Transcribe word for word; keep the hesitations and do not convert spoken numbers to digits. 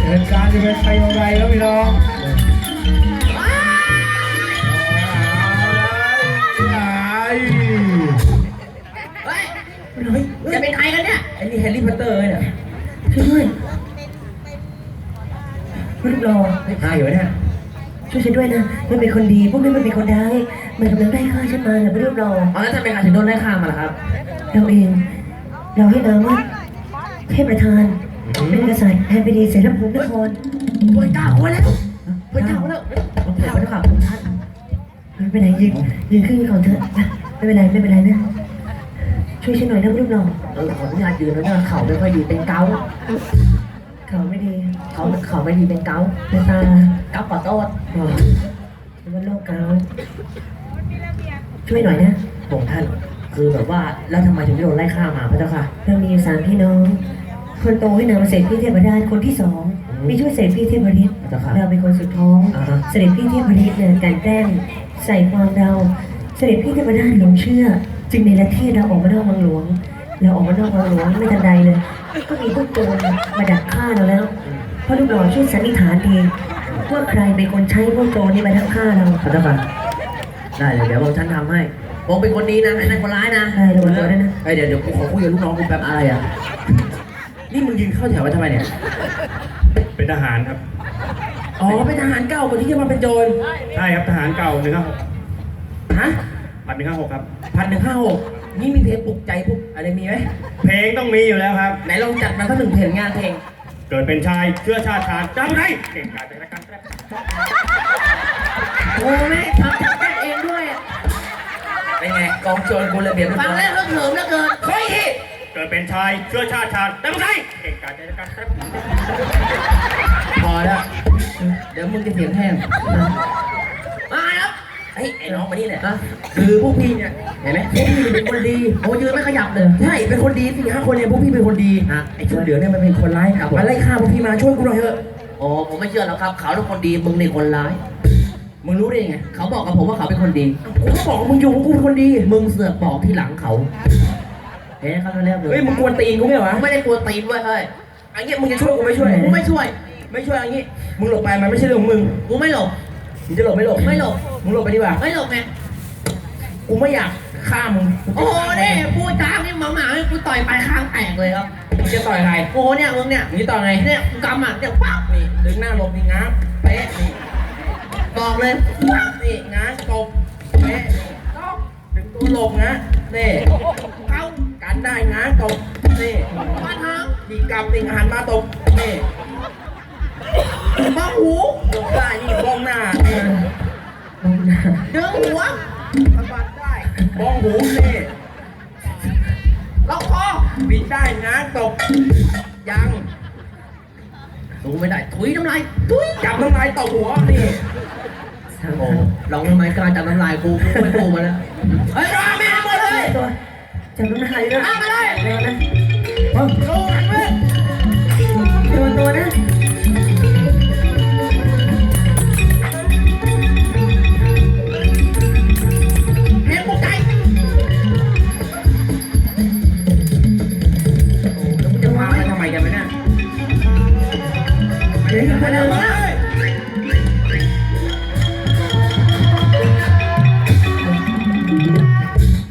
เหตุการณ์จะเป็นไปอย่างไรครับพี่น้องเฮ้ยจะเป็นใครกันเนี่ยไอ้นี่แฮร์รี่พอตเตอร์เนี่ยช่วยด้วยรูปหล่อไม่ตายอยู่เนี่ยช่วยฉันด้วยนะมันเป็นคนดีพวกนี้มันเป็นคนร้ายมันกำลังได้ฆ่าฉันมาเนี่ยเป็นรูปหล่ออ๋อแล้วทำไมใครถึงโดนได้ฆ่ามาล่ะครับเราเองเราให้นามว่าเทพประธานเป็นกษัตริย์แห่งแผ่นดินเสรภูมินครป่วยเก้าคนแล้วป่วยเก้าคนแล้วผมถามแล้วครับท่านไม่เป็นไรยืนยืนขึ้นก่อนเถอะไม่เป็นไรไม่เป็นไรนะช่วยฉันหน่อยนะรูปหล่อเออขออนุญาตยืนแล้วเนี่ยเข่าไม่ค่อยดีเป็นเกาต์เข่าไม่ดีเขาเข่าไม่ดีเป็นเกาต์เป็นตาเกาต์ขอโทษเป็นว่าโรคเกาต์ช่วยหน่อยนะบอกท่านคือแบบว่าแล้วทำไมถึงได้โดนไล่ฆ่ามาพระเจ้าค่ะเรามีอยู่สามพี่น้องคนโตให้นามเสด็จพี่เทพดาคนที่สองมีช่วยเสด็จพี่เทพฤทธิ์เราเป็นคนสุดท้องเสด็จพี่เทพฤทธิ์เนี่ยการแกล้งใส่ความเราเสด็จพี่เทพดาหลงเชื่อจึงในประเทศเราออกมานอกวังหลวงเราออกมานอกวังหลวงไม่ทันใดเลยก็มีพวกโจรมาดักฆ่าเราแล้วเพราะลูกหล่อช่วยสันนิษฐานดีว่าใครเป็นคนใช้พวกโจรนี่มาทักฆ่าเราพระเจ้าค่ะได้เดี๋ยวผมฉันทำให้ผมเป็นคนดีนะไอ้นั่นคนร้ายนะได้เดี๋ยวตัวได้นะไอเดี๋ยวเดี๋ยวกูขอคุยกับลูกน้องกูแป๊บอะไรอ่ะนี่มึงยืนเข้าแถวไว้ทำไมเนี่ยเป็นทหารครับอ๋อเป็นทหารเก่าคนที่จะมาเป็นโจรใช่ครับทหารเก่าหนึ่งห้าหกฮะพันหนึ่งห้าหกครับพันหนึ่งห้าหกนี่มีเพลงปลุกใจปลุกอะไรมีไหมเพลงต้องมีอยู่แล้วครับไหนลองจัดมาสักหนึ่งเพลงงานเพลงเกิดเป็นชายเชื้อชาติชาติจำได้เก่งกาจเป็นการแรปโอ้แม่ทำจัดแรปเองด้วยเป็นไงกองโจรกูระเบียบฟังแล้วเลิกเหิมแล้วเกินเฮ้ยเกิดเป็นชายเชื้อชาติชาติจำได้เก่งกาจเป็นการแรปพอแล้วเดี๋ยวมึงจะเสียงแห้งมาครับไอ้ไอ้น้องมานี่เนี่ยคือพวกพี่เนี่ยเห็นไหมพวกพี่เป็นคนดีโอ้ยืนไม่ขยับเลยใช่เป็นคนดีสี่ห้าคนเนี่ยพวกพี่เป็นคนดีนะไอ้ชุดเหลืองเนี่ยมันเป็นคนร้ายมาไล่ฆ่าพวกพี่มาช่วยกูหน่อยเถอะโอ้ผมไม่เชื่อหรอกครับเขาเป็นคนดีมึงนี่คนร้ายมึงรู้ได้ยังไงเขาบอกกับผมว่าเขาเป็นคนดีเขาบอกมึงอยู่กูเป็นคนดีมึงเสือกบอกที่หลังเขาเฮ้ยเขาเรียกเลยเฮ้ยมึงกวนตีนกูไม่เหรอไม่ได้กวนตีนเว้ยเฮ้ยอันนี้มึงจะช่วยกูไม่ช่วยกูไม่ช่วยไม่ช่วยอันนี้มึงหลบไปมันไม่ใช่เรื่องของมึงกูไม่หลบมึงจะหลบไม่หลบไม่หลบมึงหลบไปดีกว่าไม่หลบไงกูไม่อยากฆ่ามึงโอ้โหนี่พูดจ้านี่หมาหมากูต่อยไปข้างแตกเลยครับมึงจะต่อยใครโอ้เนี่ยมึงเนี่ยมึงจะต่อยไงเนี่ยกูกำอ่ะเดี๋ยวปั๊บนี่ดึงหน้าหลบนี่ง้างเป๊ะนี่บอกเลยปั๊บนี่ง้างตบเป๊ะดึงตัวหลบนะนี่เข้ากันได้ง้างตบนี่มาทางดีกำนี่หันมาตบนี่บ้องหูลงได้นี่บ้องหน้าบ้องหน้าดึงหัวสะบัดได้บ้องหูนี่ล็อกคอบิดได้นะตบยังดูไม่ได้ถุยน้ำลายถุยจับน้ำลายตบหัวนี่โอ้ลองทำไมกล้าจับน้ำลายกูกูไม่กูมาแล้วเฮ้ยรอแม่หมดเลยจับน้ำลายด้วยมาเลยเร็วนะโอ้โหหันไปตัวตัวนะ